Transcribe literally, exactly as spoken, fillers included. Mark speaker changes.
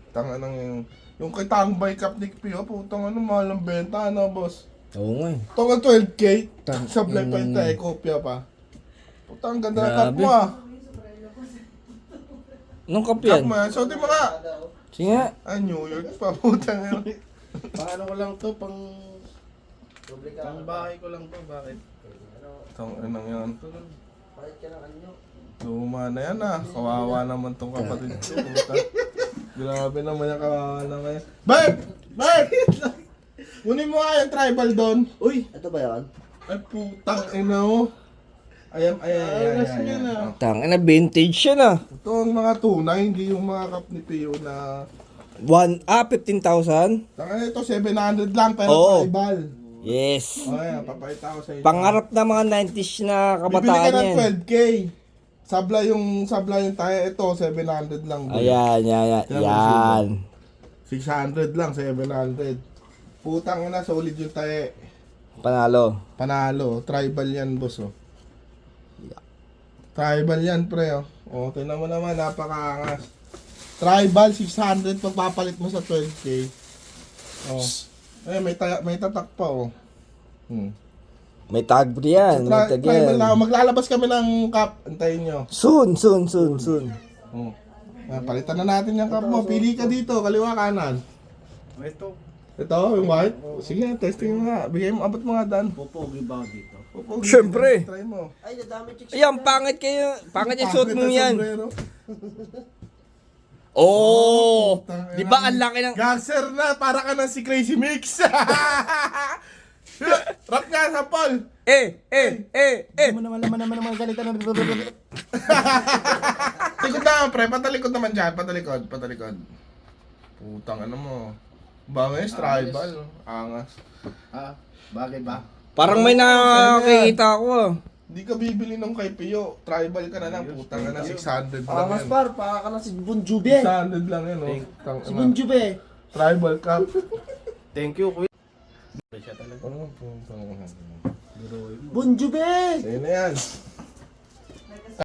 Speaker 1: Tanga nang yung... Yung kay Tangbay Cup ni Pio, putang ano, mahal ang benta, ano, boss?
Speaker 2: Oo nga eh.
Speaker 1: Tonga twelve K,
Speaker 2: Tang-
Speaker 1: sablay pa yung
Speaker 2: yung-
Speaker 1: tayo, kopya pa. Putang ganda ng cup
Speaker 2: Grabe.
Speaker 1: mo ah.
Speaker 2: Anong cup
Speaker 1: Cup
Speaker 2: yan?
Speaker 1: mo yan, suotin mo nga.
Speaker 2: Sige nga.
Speaker 1: Ah, New York pa, putang ano.
Speaker 3: Paano ko lang to, pang... Pang bahay ko lang to, bakit?
Speaker 1: Tang anong yan.
Speaker 3: Bakit ka ng anyo?
Speaker 1: Luma na yan ah, kawawa naman tong kapatid ko. Puta. Grabe naman yung kawawa naman yan. Bert! Bert! Kunin mo nga yung tribal doon.
Speaker 3: Uy! Ito ba yan?
Speaker 1: Ay putang ina mo. Ayan, ayan, ayan, ayan, ayan. Oh.
Speaker 2: Tang na vintage siya na.
Speaker 1: Ito ang mga tunay, hindi yung mga cup ni Pio na...
Speaker 2: One, ah, fifteen thousand?
Speaker 1: Tanga ito, seven hundred lang pero
Speaker 2: Oo.
Speaker 1: tribal.
Speaker 2: Yes.
Speaker 1: O ayan, papakita ko sa inyo.
Speaker 2: Pangarap na mga nineties na
Speaker 1: Bibili ka
Speaker 2: kabataan
Speaker 1: ng
Speaker 2: yan.
Speaker 1: twelve K. Sabla yung, sabla yung tayo, ito, seven hundred lang. bro.
Speaker 2: Ayan, yan, yan.
Speaker 1: Kaya mo
Speaker 2: Yan.
Speaker 1: six hundred lang, seven hundred. Putang ina, solid yung tayo.
Speaker 2: Panalo.
Speaker 1: Panalo, tribal yan, boss, oh. Tribal yan, pre, oh. O, tingnan mo naman, napakaangas. Tribal, six hundred, pagpapalit mo sa twelve K. Oh. Eh, may, taya, may tatak pa, oh. Hmm.
Speaker 2: May tag pa yan. May
Speaker 1: Tri-
Speaker 2: tag
Speaker 1: tribal
Speaker 2: yan.
Speaker 1: na, maglalabas kami ng cup. Antayin nyo.
Speaker 2: Soon, soon, soon, soon.
Speaker 1: Oh. Ah, palitan na natin yung cup mo. Pili ka dito, kaliwa kanan.
Speaker 3: Ito.
Speaker 1: Ito, yung white. Sige, testing mo nga. Bigay mo, abot mo nga, Dan.
Speaker 3: Pupogi ba dito?
Speaker 1: Pupugi.
Speaker 2: Syempre.
Speaker 1: Try mo.
Speaker 3: Ay, nadami chicks.
Speaker 2: Ayan, pangit kayo. Pangit yung suot mo
Speaker 1: Pangit ang
Speaker 2: yan.
Speaker 1: sombrero.
Speaker 2: Oh!
Speaker 1: Putang
Speaker 2: Di
Speaker 1: ina.
Speaker 2: ba ang laki ng...
Speaker 1: Gangster na, para ka ng si Crazy Mix. Rap nga sa Paul.
Speaker 2: Eh, eh, eh, eh.
Speaker 3: Ano naman naman naman naman galita ng...
Speaker 1: Likod na, pre. Patalikod naman dyan. Patalikod, patalikod. Putang ano mo. Bangis, tribal. Angas.
Speaker 3: Ah, bagay ba?
Speaker 2: Parang may nakakita ako ah.
Speaker 1: Hindi ka bibili nung kay Pio. Tribal ka na lang. Putang na, six hundred lang
Speaker 3: Ah, mas
Speaker 1: yan.
Speaker 3: par, para ka na si Bon Jovi.
Speaker 1: six hundred lang yan, oh. Tang,
Speaker 3: Si Bon Jovi.
Speaker 1: Tribal cup.
Speaker 3: Thank you, kuya. Siya talaga.
Speaker 1: Ano? Putang ina.
Speaker 3: Bon Jovi!
Speaker 1: Ayun na yan.